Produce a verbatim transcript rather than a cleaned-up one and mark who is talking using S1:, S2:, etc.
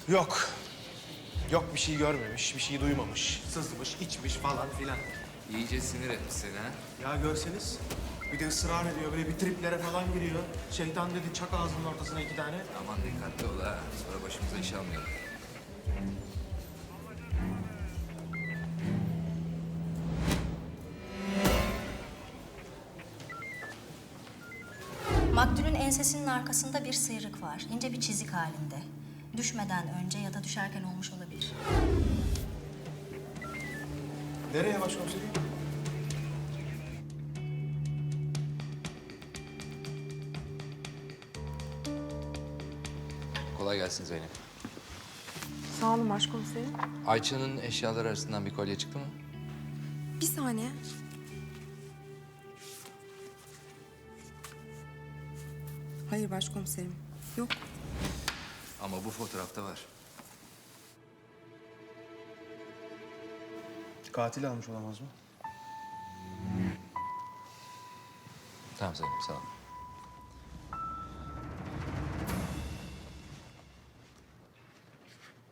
S1: Yok. Yok bir şey görmemiş, bir şey duymamış. Sızmış, içmiş falan filan.
S2: İyice sinir etmiş seni ha.
S1: Ya görseniz bir de ısrar ediyor, böyle bir triplere falan giriyor. Şeytan dedi çak ağzının ortasına iki tane.
S2: Aman dikkatli ol ha. Sonra başımıza iş almayalım.
S3: Maktulün ensesinin arkasında bir sıyrık var. İnce bir çizik halinde. Düşmeden önce ya da düşerken olmuş olabilir.
S1: Nereye başkomiserim?
S2: Kolay gelsin Zeynep.
S4: Sağ olun başkomiserim.
S2: Ayça'nın eşyaları arasından bir kolye çıktı mı?
S4: Bir saniye. Hayır başkomiserim. Yok.
S2: Ama bu fotoğrafta var.
S1: Katil almış olamaz mı?
S2: Tamam Zeynep, sağ ol.